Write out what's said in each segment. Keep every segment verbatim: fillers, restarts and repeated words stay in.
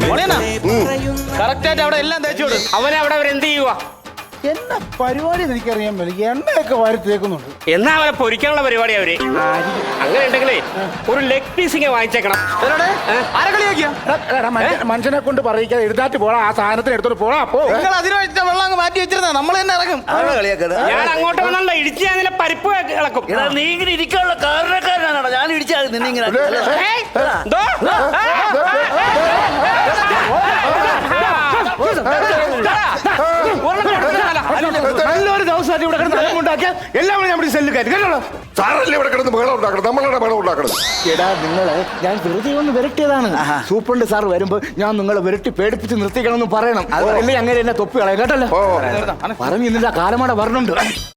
Correct ആയിട്ട് അവിടെ എല്ലാം തേച്ചോട്. അവനെ അവിടെ അവരെന്ത് ചെയ്യുക? എന്നാ പരിപാടി എനിക്കറിയാൻ പറ്റില്ല. എണ്ണയൊക്കെ വാരി തേക്കുന്നുണ്ട്. എന്നാ അവരെ പൊരിക്കാനുള്ള പരിപാടി അവര്. അങ്ങനെ ഉണ്ടെങ്കിലേ ഒരു ലെഗ് പീസിങ് വാങ്ങിച്ചേക്കണം. മനുഷ്യനെ കൊണ്ട് പറയിക്കാതെ എഴുതാറ്റ് പോടാ. ആ സാധനത്തിന് എടുത്തോട്ട് പോടാ. അപ്പോ നിങ്ങൾ അതിന് വെച്ച വെള്ളം അങ്ങ് മാറ്റി വെച്ചിരുന്ന നമ്മൾ തന്നെ ഇറങ്ങും. ഞാൻ അങ്ങോട്ട് വന്നുള്ള ഇടിച്ച് ഞാൻ നിന്നെ പരിപ്പ് ഇളക്കും. നീ ഇങ്ങനെ ഇരിക്കാനുള്ള കാരണക്കാരനാണോ ഞാൻ ഇടിച്ചാൽ നിന്നിങ്ങനെ? നല്ലൊരു ദിവസമായിട്ട് ഇവിടെ കിടന്ന് ഉണ്ടാക്കിയാൽ എല്ലാവരും നമ്മുടെ സെല്ല് കയറ്റി കേട്ടോ. സാറല്ലേ ഇവിടെ കിടന്ന് ബഹളം ഉണ്ടാക്കണം, നമ്മളാണ് ബഹളം ഉണ്ടാക്കണം. എടാ നിങ്ങളെ ഞാൻ വെറുതെ ഒന്ന് വിരട്ടിയതാണ്. സൂപ്രണ്ട് സാർ വരുമ്പോ ഞാൻ നിങ്ങളെ വിരട്ടി പേടിപ്പിച്ച് നിർത്തിക്കണം എന്ന് പറയണം. അല്ലെങ്കിൽ അങ്ങനെ എന്നെ തൊപ്പി കളയാം കേട്ടല്ലോ. പറഞ്ഞു ഇന്നില്ല കാലമാടെ പറഞ്ഞുണ്ട്.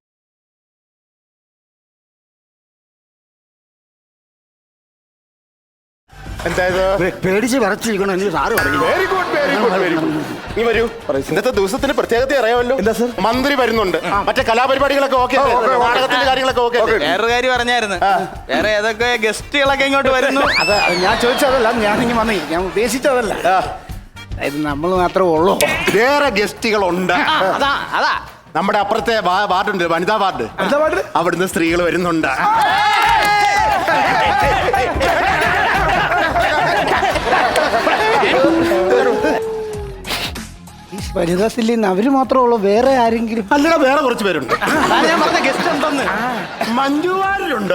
പേടിച്ച് വിറച്ചിരിക്കണം എന്ന് സാറ് പറഞ്ഞു. Very good very good very good. നീ വരൂ. ഇന്നത്തെ ദിവസത്തിന്റെ പ്രത്യേകത അറിയാമല്ലോ. എന്താ സർ? മന്ത്രി വരുന്നുണ്ട്. മറ്റേ കലാപരിപാടികളൊക്കെ ഓക്കെ, നാടകത്തിന്റെ കാര്യങ്ങളൊക്കെ ഓക്കെ. വേറൊരു കാര്യം പറഞ്ഞായിരുന്നു, വേറെ ഏതൊക്കെ ഗസ്റ്റുകളൊക്കെ ഇങ്ങോട്ട് വരുന്നു. അത് ഞാൻ ചോദിച്ചതല്ല, ഞാനിങ്ങനെ വന്നേ, ഞാൻ ഉദ്ദേശിച്ചതല്ല. അതായത് നമ്മൾ മാത്രമേ ഉള്ളൂ. വേറെ ഗസ്റ്റുകൾ ഉണ്ട്. അതാ അതാ നമ്മുടെ അപ്പുറത്തെ വാർഡുണ്ട്, വനിതാ വാർഡ്. അവിടുന്ന് സ്ത്രീകൾ വരുന്നുണ്ട്. വനിതാ സില്ലിന്ന് അവര് മാത്രമേ ഉള്ളൂ, വേറെ ആരെങ്കിലും? അല്ലടാ, വേറെ കുറച്ച് പേരുണ്ട്. ഞാൻ പറഞ്ഞ ഗസ്റ്റ് ഉണ്ടെന്ന്. മഞ്ജുവാരിലുണ്ട്,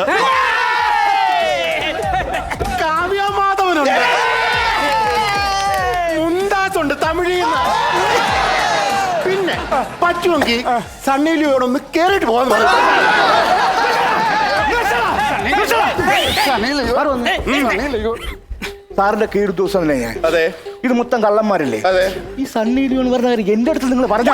കാവ്യമാധവനുണ്ട്, മുന്താസുണ്ട് തമിഴിൽ നിന്ന്. പിന്നെ പറ്റുമെങ്കിൽ സണ്ണിലിയോടൊന്ന് കേറിട്ട് പോകാൻ പറഞ്ഞു. സാറിന്റെ കീഴ് ദിവസം തന്നെ ഞാൻ. അതെ, ഇത് മൊത്തം കള്ളന്മാരല്ലേ? അതെ. ഈ സണ്ണി ലിയോൺ പറഞ്ഞ കാര്യം എന്റെ അടുത്ത് നിങ്ങൾ പറഞ്ഞു.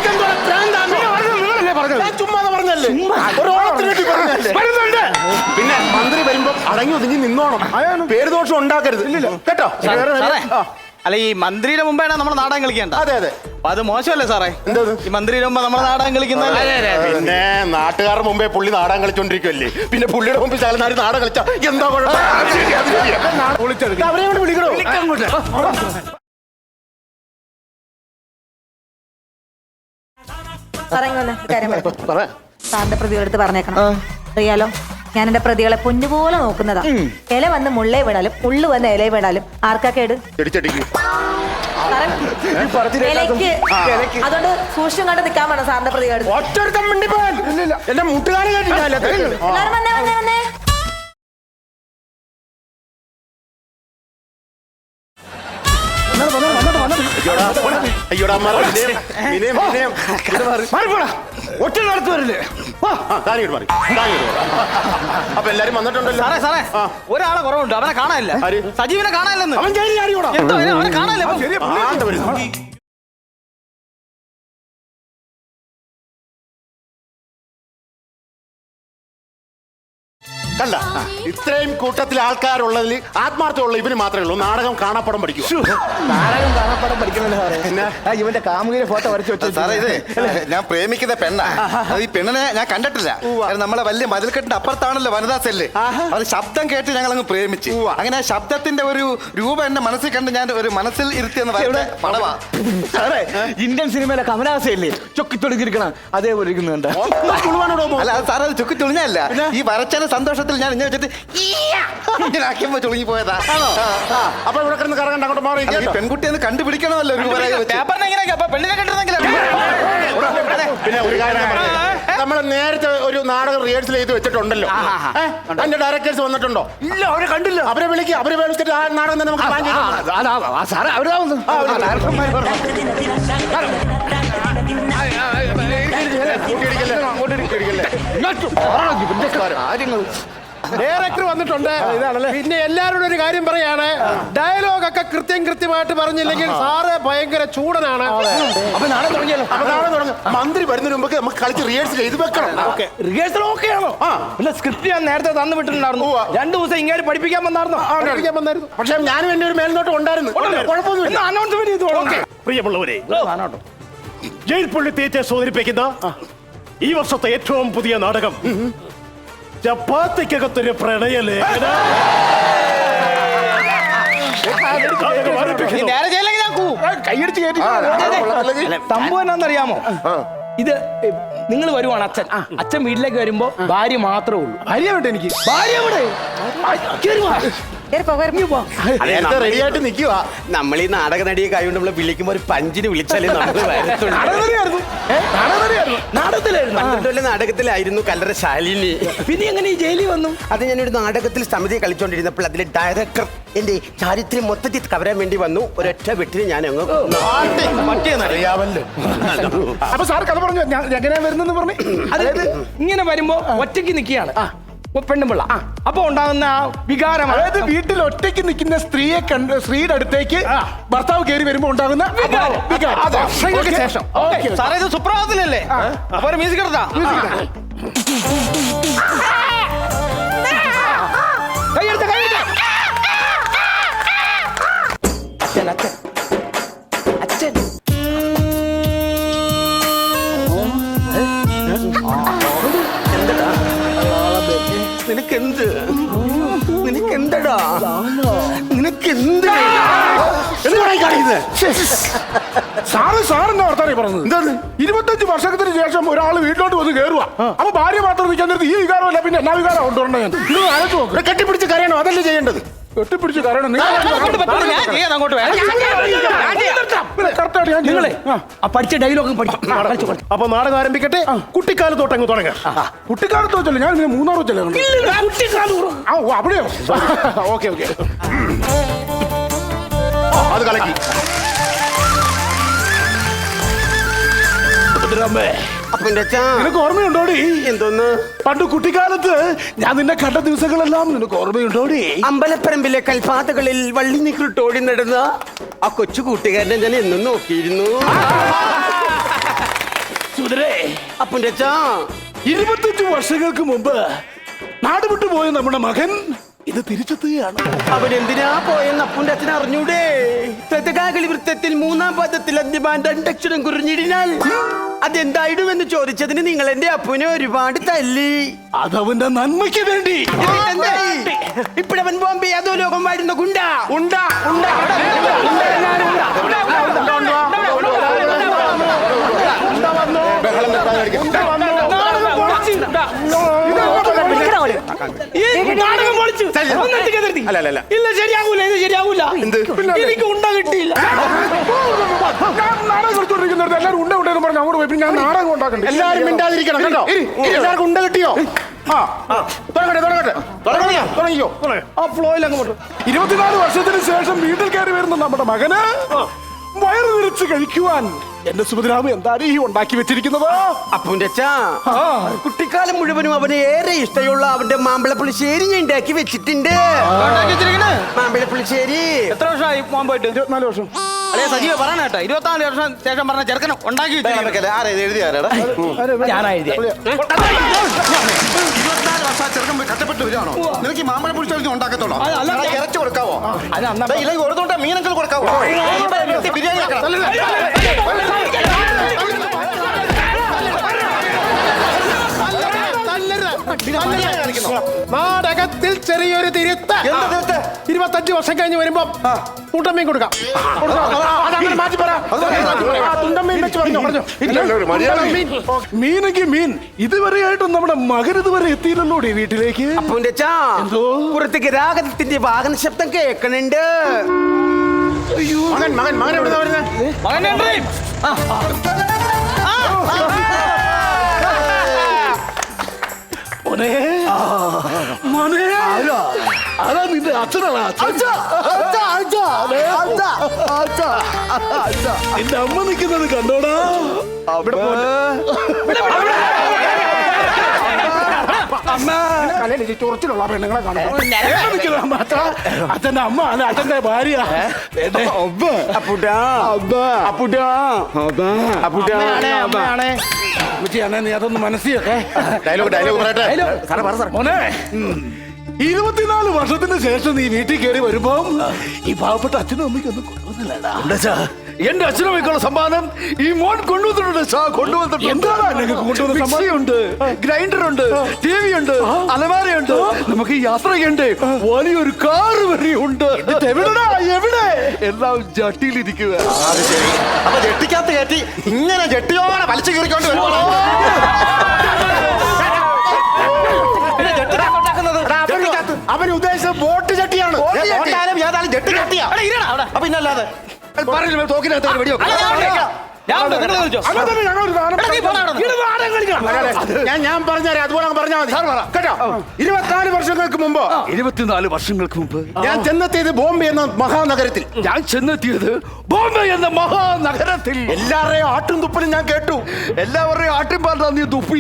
പിന്നെ മന്ത്രി വരുമ്പോ അടങ്ങി ഒതുങ്ങി നിന്നോണം, പേര് ദോഷം ഉണ്ടാക്കരുത് കേട്ടോ. അല്ല, ഈ മന്ത്രിയുടെ മുമ്പാണ് നമ്മൾ നാടകം കളിക്കേണ്ട. അതെ അതെ, അപ്പൊ അത് മോശമല്ലേ സാറേ? എന്താ ഈ മന്ത്രിയുടെ മുമ്പ് നമ്മൾ നാടകം കളിക്കുന്നത്? പിന്നെ നാട്ടുകാരുടെ മുമ്പേ പുള്ളി നാടകം കളിച്ചോണ്ടിരിക്കുവല്ലേ, പിന്നെ പുള്ളിയുടെ മുമ്പിൽ ചാലനാരി നാടകം കളിച്ച എന്താ കുഴപ്പം? അവരെ വിളിക്കണോ? സാറിന്റെ പ്രതികളെടുത്ത് പറഞ്ഞേക്കണം. അറിയാലോ, ഞാൻ എന്റെ പ്രതികളെ പൊന്നുപോലെ നോക്കുന്നതാ. ഇല വന്ന് മുള്ളേ വീണാലും മുള്ളു വന്ന് ഇല വീണാലും ആർക്കാ കേട്? ഇലയ്ക്ക്. അതുകൊണ്ട് സൂക്ഷിച്ചും കണ്ട് നിൽക്കാൻ വേണം സാറിന്റെ പ്രതികളെടുത്ത്. എന്റെ മുട്ടുകാരെ എല്ലാവരും വന്നേ വന്നേ വന്നേ. അയ്യോടാ, ഒറ്റ നടത്തുവരില്ലേ? അപ്പൊ എല്ലാരും വന്നിട്ടുണ്ടല്ലോ. സാറേ സാറേ ഒരാളെ കുറവുണ്ട്, അവനെ കാണാനില്ല. സജീവിനെ കാണാനില്ലെന്ന്. അവൻ അവനെ കാണാനില്ല. കണ്ട, ഇത്രയും കൂട്ടത്തിൽ ആൾക്കാരുള്ളതിൽ ആത്മാർത്ഥമുള്ള ഇവന് മാത്രമേ ഉള്ളൂ നാടകം കാണാപ്പടം പഠിക്കൂ. നാടകം കാണാപ്പടം പഠിക്കണല്ലോ സാറേ. ഇവന്റെ കാമുകിന്റെ ഫോട്ടോ വരച്ചു വെച്ചു. സാറേ, ഇത് ഞാൻ പ്രേമിക്കുന്ന പെണ്ണാ. അത് ഈ പെണ്ണിനെ ഞാൻ കണ്ടിട്ടില്ല. നമ്മളെ വലിയ മതിൽക്കെട്ടിന്റെ അപ്പുറത്താണല്ലോ വനിതാ സെല്ല്. അത് ശബ്ദം കേട്ട് ഞങ്ങൾ അങ്ങ് പ്രേമിച്ചു. അങ്ങനെ ആ ശബ്ദത്തിന്റെ ഒരു രൂപം എന്റെ മനസ്സിൽ കണ്ട് ഞാൻ ഒരു മനസ്സിൽ ഇരുത്തിയെന്ന് പടവാ. സാറേ, ഇന്ത്യൻ സിനിമയിലെ കമലാസയല്ലേ ചൊക്കി തൊടുക്കിരിക്കണം, അതേപോലെ ഇരിക്കുന്നുണ്ട്. അല്ല സാറേ, അത് ചുക്കി തുളിഞ്ഞല്ല. ഈ വരച്ചതിന് സന്തോഷത്തിൽ ഞാൻ ഇങ്ങനെ വെച്ചിട്ട് ഇങ്ങനെ ആക്കിയപ്പോ ചുളുങ്ങി പോയതാ. അപ്പൊ ഇവിടെ കിടന്ന് കറങ്ങണ്ട, അങ്ങോട്ട് മാറി. പെൺകുട്ടിയെ കണ്ടുപിടിക്കണമല്ലോ പെണ്ണിനെ കണ്ടിരുന്നെങ്കിൽ. പിന്നെ ഒരു കാര്യം നമ്മൾ നേരത്തെ ഒരു നാടകം റിഹേഴ്സൽ ചെയ്ത് വെച്ചിട്ടുണ്ടല്ലോ. അതിന്റെ ഡയറക്ടേഴ്സ് വന്നിട്ടുണ്ടോ? ഇല്ല, അവരെ കണ്ടില്ല. അവരെ വിളിക്കുക, അവരെ വിളിച്ചിട്ട് ആ നാടകം തന്നെ നമുക്ക് പ്ലാൻ ചെയ്യാം. സാറേ, അവരാവുന്നു. ഡയറക്ടർ വന്നിട്ടുണ്ട്. പിന്നെ എല്ലാവരോടും ഒരു കാര്യം പറയാണ്, ഡയലോഗ് ഒക്കെ കൃത്യം കൃത്യമായിട്ട് പറഞ്ഞില്ലെങ്കിൽ സാറ് ഭയങ്കര ചൂടനാണ്. അപ്പൊ നാളെ തുടങ്ങിയല്ലോ. അപ്പൊ നാളെ തുടങ്ങും. മന്ത്രി വരുന്നതിന് മുമ്പ് നമുക്ക് കളിച്ച് റിഹേഴ്സൽ ചെയ്ത് വെക്കണം. റിഹേഴ്സൽ ഓക്കെ ആണോ? അല്ല, സ്ക്രിപ്റ്റ് ഞാൻ നേരത്തെ തന്നു വിട്ടിട്ടുണ്ടായിരുന്നു. രണ്ടു ദിവസം ഇങ്ങനെ പഠിപ്പിക്കാൻ വന്നായിരുന്നു. പഠിപ്പിക്കാൻ വന്നായിരുന്നു. പക്ഷെ ഞാനും എന്റെ ഒരു മേൽനോട്ടം ഉണ്ടായിരുന്നു. കുഴപ്പമൊന്നുമില്ല. അനൗൺസ്മെന്റ് ചെയ്തു. പ്രിയമുള്ളവരെ, ജയിൽ പുള്ളി തിയേറ്റേഴ്സ് അവതരിപ്പിക്കുന്ന ഈ വർഷത്തെ ഏറ്റവും പുതിയ നാടകം ചപ്പാത്തിക്കകത്തൊരു പ്രണയലേഖനം. നേരെ ചെയ്യില്ലെങ്കിൽ കൈയടിച്ച് കയറ്റി ആ, അത് കൊള്ളത്തില്ലെങ്കിൽ. സംഭവം എന്നാന്നറിയാമോ ഇത് നിങ്ങൾ വരുവാണ് അച്ഛൻ അച്ഛൻ വീട്ടിലേക്ക് വരുമ്പോ ഭാര്യ മാത്രമേ ഉള്ളൂ. ഭാര്യ വേണ്ട എനിക്ക്. ഭാര്യ എവിടെ? കേറി വാ. കേറി പോ, കേറി പോ. നേരത്തെ റെഡി ആയിട്ട് നിൽക്കുക. നമ്മൾ ഈ നാടക നടിയെ കൈകൊണ്ട് നമ്മള് വിളിക്കുമ്പോ ഒരു പഞ്ചിന് വിളിച്ചാലേ നമ്മൾ വരത്തുള്ളൂ. നാടകനടിയായിരുന്നു. ഏ? നാടകനടിയായിരുന്നു. നാടകത്തിലായിരുന്നു. പന്ത്രണ്ടുള്ള നാടകത്തിലായിരുന്നു കല്ലറ ശാലിനി. പിന്നെ എങ്ങനെ ഈ ജയിലിൽ വന്നു? അത് ഞാനൊരു നാടകത്തിൽ സമിതി കളിച്ചോണ്ടിരുന്നപ്പോൾ അതിലെ ഡയറക്ടർ എന്റെ ചാരിത്രം മൊത്തത്തിൽ കവരാൻ വേണ്ടി വന്നു. ഒരൊറ്റ വെട്ടിന് ഞാൻ അങ്ങ് അറിയാമല്ലോ. അപ്പൊ സാർ കഥ പറഞ്ഞു ഞാൻ എങ്ങനെയാ വരുന്നെന്ന് പറഞ്ഞു. അതായത് ഇങ്ങനെ വരുമ്പോ ഒറ്റയ്ക്ക് നിൽക്കുകയാണ് പെണ്ണുമ്പിള്ള. അപ്പൊ ഉണ്ടാകുന്ന ആ വികാരം, അതായത് വീട്ടിൽ ഒറ്റയ്ക്ക് നിൽക്കുന്ന സ്ത്രീയെ കണ്ട് സ്ത്രീയുടെ അടുത്തേക്ക് ഭർത്താവ് കയറി വരുമ്പോ ഉണ്ടാകുന്ന വികാരം. വികാരം. അതെ. വർഷങ്ങൾക്ക് ശേഷം. ഓക്കേ. സാറേ ഇത് സുപ്രഭാതത്തിലല്ലേ? അപ്പൊ ഒരു മ്യൂസിക് എടുത്താ കൈയെടുത്ത് കൈയെടുത്ത്. അച്ഛൻ അച്ഛൻ അച്ഛൻ നിനക്കെന്ത് നിനക്കെന്തടാ നിനക്കെന്ത് സാറ് സാറിന്റെ വർത്താനം പറഞ്ഞത് എന്താണ്? ഇരുപത്തഞ്ച് വർഷത്തിന് ശേഷം ഒരാൾ വീട്ടിലോട്ട് വന്ന് കയറുക. അപ്പൊ ഭാര്യ മാത്രം നിൽക്കാൻ നേരത്ത് ഈ വികാരമല്ല പിന്നെ എന്നാ വികാരം കൊണ്ടുവരണ ഞാൻ ഇത് ആലോചിച്ച് നോക്ക്. ഇവിടെ കെട്ടിപ്പിടിച്ച് കരയണോ? അതല്ലേ ചെയ്യേണ്ടത്. കെട്ടിപ്പിടിച്ച് കയറണം. അങ്ങോട്ട് പറ്റില്ല, ഞാൻ ചെയ്യാം, അങ്ങോട്ട് വരാം. കറക്റ്റായിട്ട് ഞാൻ നിങ്ങളെ നിങ്ങളെ ആ പഠിച്ച ഡയലോഗ് പഠിച്ചു. അപ്പൊ നാടകം ആരംഭിക്കട്ടെ. കുട്ടിക്കാലത്ത് തൊട്ട് അങ്ങ് തുടങ്ങാം. കുട്ടിക്കാലത്ത് വെച്ചല്ലേ ഞാൻ പിന്നെ മൂന്നാർ വെച്ചല്ലേ ആ ഓ, അവിടെയോ? Okay okay. അത് കലക്കി. അപ്പൊ എന്റെ അച്ഛാ നിനക്ക് ഓർമ്മയുണ്ടോടി? എന്തോന്ന് പണ്ട് കുട്ടിക്കാലത്ത് ഞാൻ നിന്നെ കണ്ട ദിവസങ്ങളെല്ലാം നിനക്ക് ഓർമ്മയുണ്ടോടി? അമ്പലപ്പറമ്പിലെ കൽപ്പാതകളിൽ വള്ളി നിക്കൃട്ടോടി നടന്ന ആ കൊച്ചു കൂട്ടുകാരനെ ഞാൻ എന്നും നോക്കിയിരുന്നു. സുധരേ, അപ്പൊ എന്റെ അച്ഛാ ഇരുപത്തഞ്ച് വർഷങ്ങൾക്ക് മുമ്പ് നാട് വിട്ടു പോയ നമ്മുടെ മകൻ ഇത് തിരിച്ചെത്തുകയാണ്. അവനെന്തിനാ പോയെന്ന് അപ്പുന്റെ അച്ഛൻ അറിഞ്ഞൂടെ? പ്രതകാകളി വൃത്തത്തിൽ മൂന്നാം പദത്തിൽ അന്യമാൻ രണ്ടക്ഷരം കുറിഞ്ഞിടിനാൽ അതെന്തായിടുമെന്ന് ചോദിച്ചതിന് നിങ്ങൾ എന്റെ അപ്പുനെ ഒരുപാട് തല്ലി. അതവന്റെ നന്മയ്ക്ക് വേണ്ടി. ഇപ്പഴവൻ ബോംബെ അതോ ലോകം വാഴുന്ന ഗുണ്ട ഉണ്ട ഉണ്ട ബഹളം വെക്കാതിരിക്കാം. അല്ല അല്ല അല്ല ഇല്ല ശരിയാകൂല, ഇത് ശരിയാകൂല. എനിക്ക് ഉണ്ട കിട്ടിയില്ല. ഞാൻ നാടകം കളിച്ചോണ്ടിരിക്കുന്നിടത്ത് എല്ലാവരും ഉണ്ട ഉണ്ടെന്ന് പറഞ്ഞ് അങ്ങോട്ട് പോയി. പിന്നെ ഞാൻ നാടകം ഉണ്ടാക്കണ്ടേ? എല്ലാരും മിണ്ടാതിരിക്കണം കേട്ടോ. എല്ലാവർക്കും ഉണ്ട കിട്ടിയോ? ആ ആ. തുടങ്ങട്ടെ തുടങ്ങട്ടെ തുടങ്ങിയോ തുടങ്ങിയോ ആ ഫ്ലോയിൽ അങ്ങോട്ട്. ഇരുപത്തിനാല് വർഷത്തിന് ശേഷം വീട്ടിൽ കയറി വരുന്ന നമ്മുടെ മകന് വയറ് നിറച്ച് കഴിക്കുവാൻ എന്റെ സുഭദ്രാമ എന്താണ് ഈ ഉണ്ടാക്കി വെച്ചിരിക്കുന്നത്? അപ്പുന്റെ അച്ഛാ കുട്ടിക്കാലം മുഴുവനും അവന് ഏറെ ഇഷ്ടമുള്ള അവന്റെ മാമ്പഴ പുളിശ്ശേരി ഞാൻ ഉണ്ടാക്കി വെച്ചിട്ടുണ്ട്. മാമ്പഴ പുളിശ്ശേരി എത്ര വർഷമായി പോകാൻ പോയിട്ട്? ഇരുപത്തിനാല് വർഷം. അല്ലേ സജീവ പറയണ കേട്ടോ, ഇരുപത്തിനാല് വർഷം ശേഷം പറഞ്ഞ ചെറുക്കനും ഉണ്ടാക്കി വെച്ചിരിക്കുന്നു. ആരാ ഇത് എഴുതിയാരാടാ? ഞാനാ എഴുതിയ. ഇരുപത്തിനാല് വർഷം ആ ചെറുക്കൻ പോയി കഷ്ടപ്പെട്ട് വരികയാണോ? നിനക്ക് ഈ മാമ്പഴ പുളിശ്ശേരി ഉണ്ടാക്കത്തോളോ? ഇറച്ചി കൊടുക്കാവോ? അത് അന്ന ഇല്ലെങ്കിൽ ഒരു തൊണ്ട മീനൊക്കെ കൊടുക്കാവോ? ബിരിയാണി വെക്കണം. നാടകത്തിൽ ചെറിയൊരു തിരുത്ത്. എന്താ തിരുത്ത്? ഇരുപത്തഞ്ച് വർഷം കഴിഞ്ഞ് വരുമ്പോ തുണ്ടമ്മയും കൊടുക്കാം. അതങ്ങനെ മാറ്റി പറ. ആ, തുണ്ടമ്മയും വെച്ച് പറഞ്ഞോ പറഞ്ഞോ. ഒരു മര്യാദ. മീനെങ്കിൽ മീൻ. ഇതുവരെയായിട്ടും നമ്മുടെ മകൻ ഇതുവരെ എത്തിയില്ലല്ലോ വീട്ടിലേക്ക്. അപ്പുന്റെ അച്ഛാ പുറത്തേക്ക് രാഗത്തിന്റെ വാഹന ശബ്ദം കേൾക്കണുണ്ട്. മകൻ മകൻ മകൻ എവിടെ വരുന്നത്? മകൻ എൻട്രി. മോനെ മോനെ അതാ നിന്റെ അച്ഛനാണ്. നിന്റെ അമ്മ നിൽക്കുന്നത് കണ്ടോടാ. ചൊറച്ചിലുള്ള പെണ്ണുങ്ങളെ കാണും. അച്ഛന്റെ അമ്മ അല്ല അച്ഛന്റെ ഭാര്യ. അപ്പുട്ടാ അപ്പുട്ടാ അപ്പുട്ടാ നീ അതൊന്ന് മനസ്സിലൊക്കെ ഡയലോഗ് ഡയലോഗ് പറയട്ടെ. മോനെ ഇരുപത്തിനാല് വർഷത്തിന് ശേഷം നീ വീട്ടിൽ കയറി വരുമ്പോ ഈ പാവപ്പെട്ട അച്ഛനും അമ്മയ്ക്ക് ഒന്നും കൊണ്ടുവന്നില്ലടാ. എന്റെ അച്ഛനമ്മയ്ക്കുള്ള സമ്മാനം ഈ മോൻ കൊണ്ടുവന്നിട്ടുണ്ട് സാർ കൊണ്ടുവന്നിട്ടുണ്ട് എന്താണ് നിങ്ങൾക്ക് കൊണ്ടുവന്ന സമ്മാനം? മിക്സിയുണ്ട്, ഗ്രൈൻഡർ ഉണ്ട്, ടി വി ഉണ്ട്, അലമാരയുണ്ട്. നമുക്ക് യാത്ര ചെയ്യണ്ടേ, വലിയൊരു കാറ് വരെയുണ്ട്. എവിടെടാ എവിടെ? എല്ലാം ജട്ടിയിലിരിക്കുക. അത് ശരി. അപ്പൊ ജെട്ടിക്കകത്ത് കയറ്റി ഇങ്ങനെ ജെട്ടിയോടെ വലിച്ചു കീറിക്കൊണ്ട് വരുവാണോ? അവൻ ഉദ്ദേശിച്ച ബോട്ട് ചട്ടിയാണ്. ഏതായാലും ഏതായാലും ജെട്ടി കെട്ടിയാ അപ്പൊ ഇന്നല്ലാതെ പറഞ്ഞില്ല തോക്കിനകത്ത് വെടിയോ അങ്ങനെ തന്നെ ഞങ്ങൾ ഒരു ഗാനം ഞാൻ ഞാൻ പറഞ്ഞുതരാം, അതുപോലെ അങ്ങ് പറഞ്ഞാൽ മതി കേട്ടോ. ഇരുപത്തിനാല് വർഷങ്ങൾക്ക് മുമ്പ് ഇരുപത്തിനാല് വർഷങ്ങൾക്ക് മുമ്പ് ഞാൻ ചെന്നെത്തിയത് ബോംബെ എന്ന മഹാനഗരത്തിൽ. ഞാൻ ചെന്നെത്തിയത് ബോംബെ എന്ന മഹാനഗരത്തിൽ. എല്ലാവരുടെയും ആട്ടും തുപ്പലും ഞാൻ കേട്ടു. എല്ലാവരുടെയും ആട്ടിൻ പാട്ടാ നീ തുപ്പി.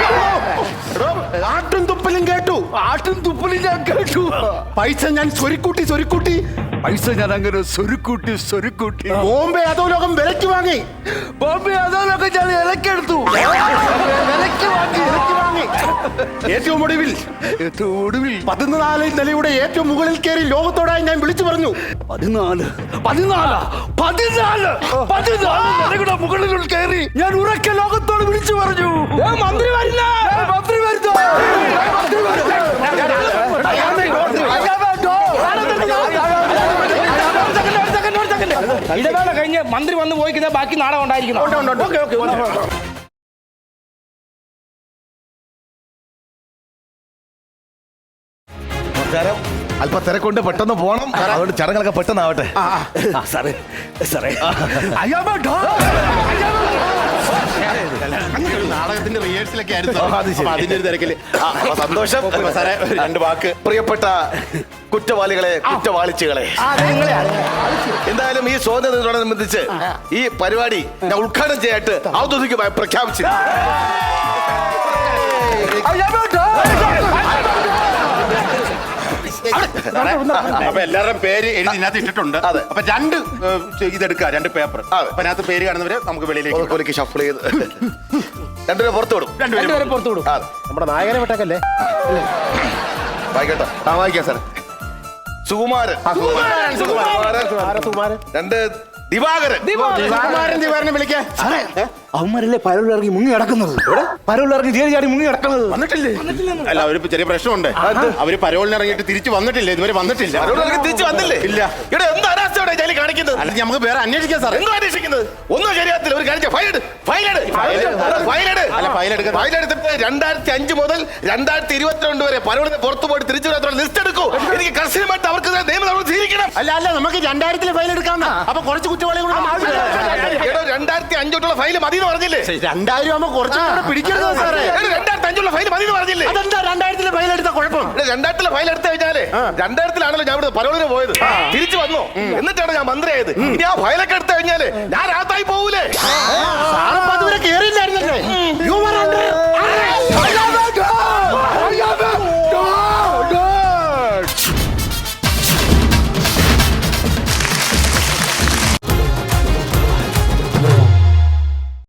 ആട്ടും തുപ്പലും കേട്ടു. ആട്ടും തുപ്പലും ഞാൻ കേട്ടു. പൈസ ഞാൻ സ്വരുക്കൂട്ടി സ്വരുക്കൂട്ടി പൈസ ഞാൻ അങ്ങനെ സ്വരുക്കൂട്ടി സ്വരുക്കൂട്ടി ബോംബെ അധോലോകം വിലക്ക് വാങ്ങി. ബോംബെ അതോലൊക്കെ ഞാൻ ഇലക്കെടുത്തു. വിലക്ക് വാങ്ങി വിലക്ക് വാങ്ങി ഏറ്റവും ഒടുവിൽ ഏറ്റവും ഒടുവിൽ പതിനാല് നിലയുടെ ഏറ്റവും മുകളിൽ കയറി ലോകത്തോടായി ഞാൻ വിളിച്ചു പറഞ്ഞു. പതിനാല് പതിനാല് പതിനാല് പതിനാല് നിലയുടെ മുകളിൽ കയറി ഞാൻ ഉറക്കെ ലോകത്തോട് വിളിച്ചു പറഞ്ഞു, മന്ത്രി വരുന്ന മന്ത്രി വരുന്നു മന്ത്രി വരുന്നു. ഇടവേള കഴിഞ്ഞ് മന്ത്രി വന്ന് പോയിക്കുന്ന ബാക്കി നാടകം ഉണ്ടായിരിക്കണം. അല്പ തിരക്കൊണ്ട് പെട്ടെന്ന് പോണം, അതുകൊണ്ട് ചടങ്ങുകളൊക്കെ പെട്ടെന്നാവട്ടെ. സാറേ സാറേ നാടകത്തിന്റെ റിഹേഴ്സലൊക്കെ ആയിരുന്നു. അത് ശരി. അപ്പൊ അതിന്റെ ഒരു തിരക്കില് ആ, അപ്പൊ സന്തോഷം. അപ്പൊ സാറേ ഒരു രണ്ട് വാക്ക്. പ്രിയപ്പെട്ട കുറ്റവാളികളെ കുറ്റവാളിച്ചുകളെ, എന്തായാലും ഈ സ്വാതന്ത്ര്യത്തോടനുബന്ധിച്ച് ഈ പരിപാടി ഞാൻ ഉദ്ഘാടനം ചെയ്യാനായിട്ട് ഔദ്യോഗികമായി പ്രഖ്യാപിച്ചു. അപ്പൊ എല്ലാവരുടെയും പേര് എഴുതി ഇതിനകത്ത് ഇട്ടിട്ടുണ്ട്. അതെ. അപ്പൊ രണ്ട് ഏഹ്, ഇതെടുക്കുക, രണ്ട് പേപ്പർ. അതെ. അപ്പൊ അതിനകത്ത് പേര് കാണുന്നവരെ നമുക്ക് വെളിയിലേക്ക് വിടാം. ഒരിക്കൽ ഷഫിൾ ചെയ്ത് രണ്ടുപേരെ പുറത്തു വിടും. രണ്ടുപേരും പുറത്തു വിടും. അതെ, നമ്മുടെ നായകനെ വിട്ടേക്കല്ലേ? വായിക്കട്ടോ. ആ, വായിക്കാം സാർ. സുകുമാരൻ സുകുമാരൻ, സുകുമാരൻ. സുകുമാരൻ. രണ്ട് ദിവാകരൻ. സുകുമാരൻ ദിവാരനെ വിളിക്കാം. അവന്മാരല്ലേ പരവിലിറങ്ങി മുങ്ങി കിടക്കുന്നത്. പരവിലിറങ്ങി ചേരി ചാടി മുങ്ങി കിടക്കുന്നത്. വന്നിട്ടില്ലേ? അല്ല, അവര് ചെറിയ പ്രശ്നമുണ്ട്. അവര് പരോളിന് ഇറങ്ങിയിട്ട് തിരിച്ചു വന്നിട്ടില്ല, ഇതുവരെ വന്നിട്ടില്ല. അവരോട് തിരിച്ചു വന്നില്ലേ? ഇല്ല. ഇവിടെ എന്ത് അനാസ്ഥയോടെ ജയിലിൽ കാണിക്കുന്നത്? അല്ല, നമുക്ക് വേറെ അന്വേഷിക്കാം സാർ. എന്തോ അന്വേഷിക്കുന്നത്? ഒന്നും ശരിയാത്തില്ല. ഒരു കാര്യം ഫയലെട് ഫയലെട് ഫയലെട് അല്ല, ഫയൽ എടുക്കാൻ ഫയലെടുത്തിട്ട് രണ്ടായിരത്തി അഞ്ച് മുതൽ രണ്ടായിരത്തി ഇരുപത്തിരണ്ട് വരെ പലവരും പുറത്തു പോയിട്ട് തിരിച്ചു വരാത്തുള്ള ലിസ്റ്റ് എടുക്കൂ. എനിക്ക് കർശനമായിട്ട് അവർക്ക് നിയമ നടപടി സ്വീകരിക്കണം. അല്ല അല്ല നമുക്ക് രണ്ടായിരത്തിലെ ഫയൽ എടുക്കാം. അപ്പൊ കുറച്ച് കുറ്റവാളികൾ രണ്ടായിരത്തി അഞ്ചോട്ടുള്ള ഫയൽ മതി എന്ന് പറഞ്ഞില്ലേ? രണ്ടായിരം ആകുമ്പോ കുറച്ചുകൂടെ പിടിക്കരുത് സാറേ. രണ്ടായിരത്തി അഞ്ചുള്ള ഫയൽ മതി എന്ന് പറഞ്ഞില്ലേ? അതെന്താ രണ്ടായിരത്തിലെ ഫയൽ എടുത്ത കുഴപ്പം? രണ്ടായിരത്തിലെ ഫയൽ എടുത്തു കഴിഞ്ഞാല് രണ്ടായിരത്തിലാണല്ലോ ഞാൻ ഇവിടെ പരോളിന് പോയത്. തിരിച്ചു വന്നു, എന്നിട്ടാണ് ഞാൻ മന്ത്രിയായത്. ഇനി ആ ഫയലൊക്കെ എടുത്തു കഴിഞ്ഞാല് ഞാൻ രാത്തായി പോകൂലേ? സാറപ്പ അതുവരെ കേറില്ല.